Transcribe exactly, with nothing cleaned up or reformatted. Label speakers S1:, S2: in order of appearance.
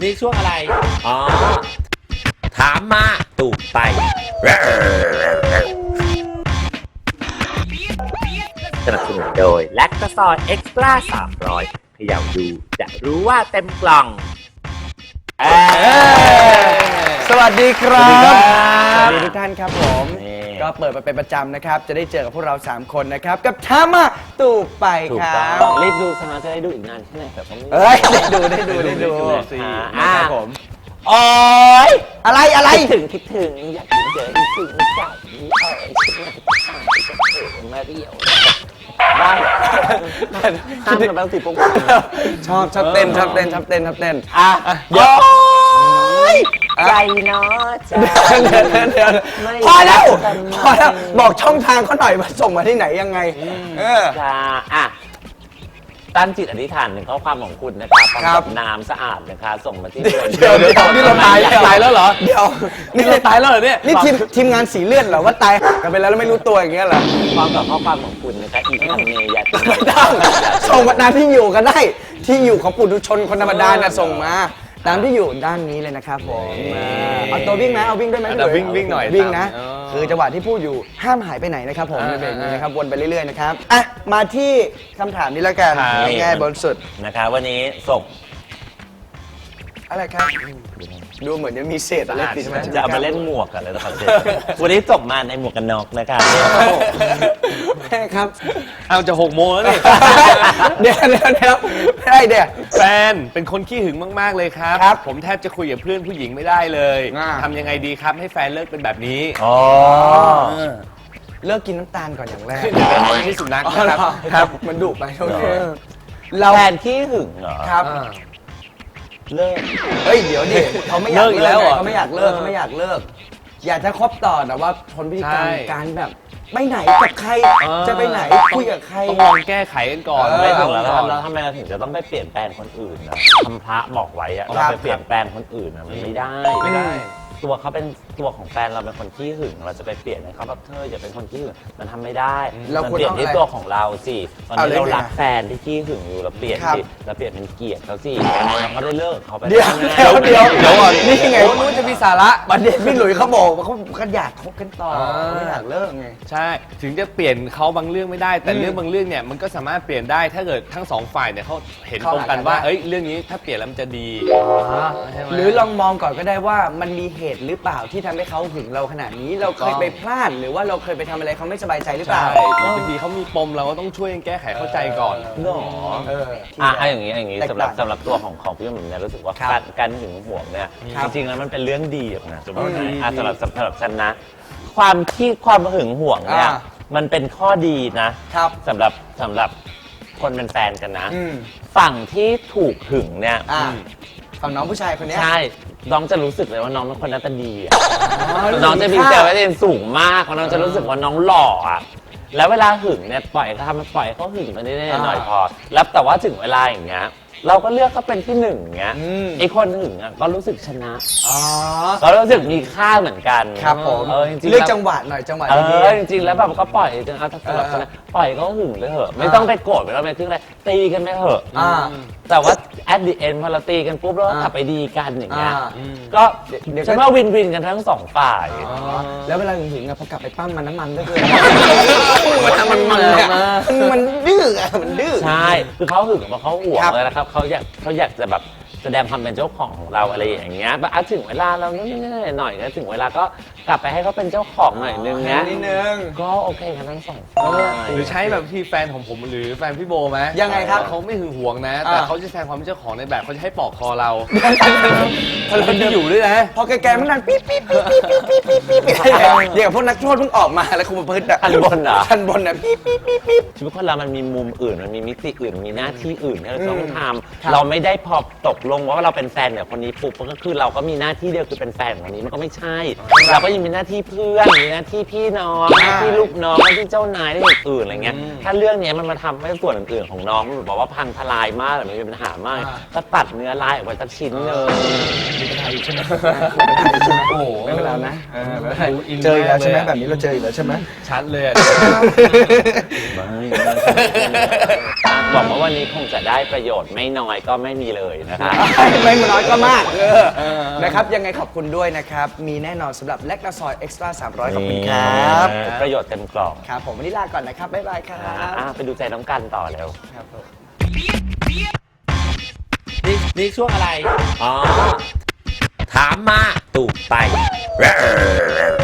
S1: นี่ช่วงอะไรอ๋อถามมาตูบไปสนับสนุนโดยแลคตาซอยเอ็กซ์ตร้าสามร้อยเขย่าดูจะรู้ว่าเต็มกล่อง
S2: สวัสดีครับสวัสดีทุกท่านครับผมก็เปิดมาเป็นประจำนะครับจะได้เจอกับพวกเราสามคนนะครับกับทามาตูบไปครับ
S1: รีบดูสมาจะได้ดูอีกนานแค่ไหนแต่ก็ไม่
S2: เอ้ยได้ดูได้ดูได้ดู
S1: ครับผม
S2: โอ๊ยอะไรอะไร
S1: คิดถึงคิดถึงอยากเจออีกถึงเก่านี้เออคิดมาเรียวบ้าห้ามกันแล้วสิพวก
S2: ชอบชอบเต้นชอบเต้นชอบเต้นชอบเต้น
S1: อ่ะเดี๋ยวใจเนาะใจ
S2: เดี๋ยวพอแล้วพอแล้วบอกช่องทางเขาหน่อยว่าส่งมาที่ไหนยังไงเออ
S1: อ่ะตั้งจิตอธิษฐานหนึ่งข้อความของคุณนะครับพร้อมกับน้ำสะอาดนะคะส่งมาที่เ
S2: ดี๋ยวเดี๋ยวนี่เราตายตายแล้วเหรอเดี๋ยว
S1: นี่เราตายแล้วเหรอเนี่ย
S2: นี่ทีมทีมงานสีเลือดเหรอว่าตายกันไปแล้วแล้วไม่รู้ตัวอย่างเงี้ยเหรอ
S1: พร้อมกับข้อความของคุณนะคะอีกคำเนยยัด
S2: ไม่ต้องส่งมาตามที่อยู่กันได้ที่อยู่ของปุถุชนคนธรรมดาน่ะส่งมาตามที่อยู่ด้านนี้เลยนะครับผมเอาตัววิ่งไหมเอาวิ่งด้วยไหม
S1: เอาวิ่งวิ่งหน่อย
S2: วิ่งนะคือจังหวะที่พูดอยู่ห้ามหายไปไหนนะครับผมในเบรกนี้นะครับวนไปเรื่อยๆนะครับอ่ะมาที่คำถามนี้แล้วกันง่ายๆบนสุด
S1: นะคะวันนี้ส่ง
S2: อะไรครับดูเหมือนจะมีเศษอะไรติดมา
S1: จะเอามาเล่นหมวกกันเลยนะครับวันนี้ส่งมาในหมวกกันน็อกนะครับ
S2: แม่ครับ
S3: เอาจะหกโมงแล้วนี่
S2: เดี๋ยวเดี๋ยวเดี๋ยวไม่ได้เดี๋ยว
S3: แฟนเป็นคนขี้หึงมากๆเลยครับผมแทบจะคุยกับเพื่อนผู้หญิงไม่ได้เลยทำยังไงดีครับให้แฟนเลิกเป็นแบบนี้
S1: อ๋อ
S2: เลิกกินน้ำตาลก่อนอย่างแรก
S3: เป็นที่สุนัขนะครับ
S2: ครับมันดุไปโอเค
S1: แฟนขี้หึงเหรอ
S2: ครับ
S1: เลิก
S2: เฮ้ยเดี๋ยวดิเขาไม่อยากเลิกเขาไม่อยากเลิกเขาไม่อยากเลิกอยากจะคบต่อแต่ว่าทนพฤติกรรมการแบบไปไหนกับใครจะไปไหนคุยกับใคร
S3: ต้องลองแก้ไขกันก่อน
S1: ไม่ถูกแล้วแล้วทำไมเราถึงจะต้องไปเปลี่ยนแปลงคนอื่นนะคำพระบอกไว้อะเราไปเปลี่ยนแปลงคนอื่นนะมันไม่ได้
S3: ไม่ได้
S1: ตัวเขาเป็นตัวของแฟนเราเป็นคนขี้หึงเราจะไปเปลี่ยนให้เขาแบบเธออย่าเป็นคนขี้หึงมันทำไม่ได้เราเปลี่ยนที่ตัวของเราสิตอนนี้เรารักแฟนที่ขี้หึงอยู่เราเปลี่ยนสิเราเปลี่ยนเป็นเกลียดเขาสิเราก็ได้เลิกเขาไป
S2: เดี๋ยวเดี๋ยวเดี๋ยวเดี๋ยวนี่ไง
S3: นู้นจะมีสาระ
S2: ประเด็นพี่หลุยเขาบอกว่าเขาเขาอยากคบกันต่อไม่อยากเลิกไง
S3: ใช่ถึงจะเปลี่ยนเขาบางเรื่องไม่ได้แต่เรื่องบางเรื่องเนี่ยมันก็สามารถเปลี่ยนได้ถ้าเกิดทั้งสองฝ่ายเนี่ยเขาเห็นตรงกันว่าเอ้ยเรื่องนี้ถ้าเปลี่ยนแล้วมันจะดี
S2: หรือลองมองก่อนก็ได้ว่ามันมีเหตุหรือเปล่าที่ทำให้เขาหึงเราขนาดนี้เราเคยไปพลาดหรือว่าเราเคยไปทำอะไรเขาไม่สบายใจหรือเปล่า
S3: บางทีเขามีปมเราก็ต้องช่วยแก้ไขเข้าใจก่อน
S1: เนาะเอออ่ะอย่างนี้อย่างนี้สำหรับสำหรับตัวของของพี่หนุ่มเนี่ยรู้สึกว่าการการหึงหวงเนี่ยจริงๆแล้วมันเป็นเรื่องดีนะสำหรับสำหรับสำหรับฉันนะความที่ความหึงหวงเนี่ยมันเป็นข้อดีนะสำหรับสำหรับคนเป็นแฟนกันนะฝั่งที่ถูกหึงเนี่ย
S2: ฝั่งน้องผู้ชายคนนี้
S1: ใช่น้องจะรู้สึกเลยว่าน้องเป็นคนหน้าตาดีน้องจะมีเซลล์ไว้เองสูงมากน้องจะรู้สึกว่าน้องหล่ออ่ะแล้วเวลาหึงเนี่ยปล่อยเขาทำปล่อยเขาหึงไปเรื่อยๆหน่อยพอแล้วแต่ว่าถึงเวลาอย่างเงี้ยเราก็เลือกเขาเป็นที่หนึ่งเงี้ยไอ้คนหึงอ่ะก็รู้สึกชนะก็รู้สึกมีค่าเหมือนกัน
S2: ครับผมเลือกจังหวะหน่อยจังหวะ
S1: ดีๆจริงๆแล้วแบบก็ปล่อยจริงๆเอาถ้าสำหรับชนะปล่อยเขาหึงไปเถอะไม่ต้องไปโกรธไม่ต้องไปทึ่งอะไรตีกันไปเถอะแต่ว่า at the end พอเราตีกันปุ๊บแล้วกลับไปดีกันอย่างเงี้ยก็ฉันว่าวินวินกันทั้งสองฝ่าย
S2: แล้วเวลาหึงๆพอกลับไปปั้มมันน้ำมันก็คือมันมันมันมันดื้อมันดื้อ
S1: ใช่คือเขาหึงเพราะเขาห่วงเลยนะครับเขาอยากเขาอยากจะแบบแสดงความเป็นเจ้าของของเราอะไรอย่างเงี้ยแบบถึงเวลาเรานิดๆหน่อยก็ถึงเวลาก็กลับไปให้เขาเป็นเจ้าของหน่อยนึงนะ
S2: นิดนึง
S1: ก็โอเคกันทั้งสอง
S3: หรือใช้แบบที่แฟนของผมหรือแฟนพี่โบไหม
S2: ยังไงครับ
S3: เขาไม่หึงหวงนะแต่เขาจะแสดงความเป็นเจ้าของในแบบเขาจะให้ปอกคอเราเขาจะอยู่ด้วยนะ
S2: พอแกๆมันนั่นปี๊บปี๊บปี๊บปี๊บปี๊บปี๊บปี๊บปี๊บเดี๋ยวพวกนักโทษเพิ่งออกมาแล้วคุมประพฤติอ่ะ
S1: ทันบนเหรอ
S2: ทันบนอ่ะปี๊บปี๊บปี๊บปี๊บ
S1: ชีวิตคนเรามันมีมุมอื่นมันมีมิติอื่นมีหน้าที่อื่นที่เราต้องทำเราไม่ได้พอตกลงว่าเราเป็นแฟนเนี่ยคนนี้ปุ๊บก็คือเราก็มีหน้าที่เดียวคือเป็นแฟนของคนนี้มันก็ไม่ใช่เราก็ยังมีหน้าที่เพื่อนมีหน้าที่พี่น้องหน้าที่ลูกน้องหน้าที่เจ้านายหน้าที่อื่นอะไรเงี้ยถ้าเรื่องนี้มันมาทำให้ส่วนอื่นๆของน้องมันบอกว่าพังทลายมากหรือมันมีปัญหามากก็ตัดเนื้อลายออกไปสักชิ้นเลย
S2: มีปัญหาอยู่ใช่ไหมโอ้โหไม่เป็นไรนะเจอแล้วใช่ไหมแบบนี้เราเจอแล้วใช่ไหม
S3: ชัดเลย
S1: ไม่หวังว่าวันนี้คงจะได้ประโยชน์ไม่น้อยก็ไม่มีเลยนะคะ
S2: ไม่น้อยก็มากเออนะครับยังไงขอบคุณด้วยนะครับ มีแน่นอนสำหรับแลคตาซอยเอ็กซ์ตร้าสามร้อยขอบคุณครับ
S1: ประโยชน์เต็มกล่อง
S2: ครับผมวันนี้ลาก่อนนะครับ บ๊ายบายครับ
S1: อ่ะไปดูใจน้องกันต่อเร็ว
S2: ครับผม
S1: นี่นี่ช่วงอะไร อ๋อ ถามมาตูบไป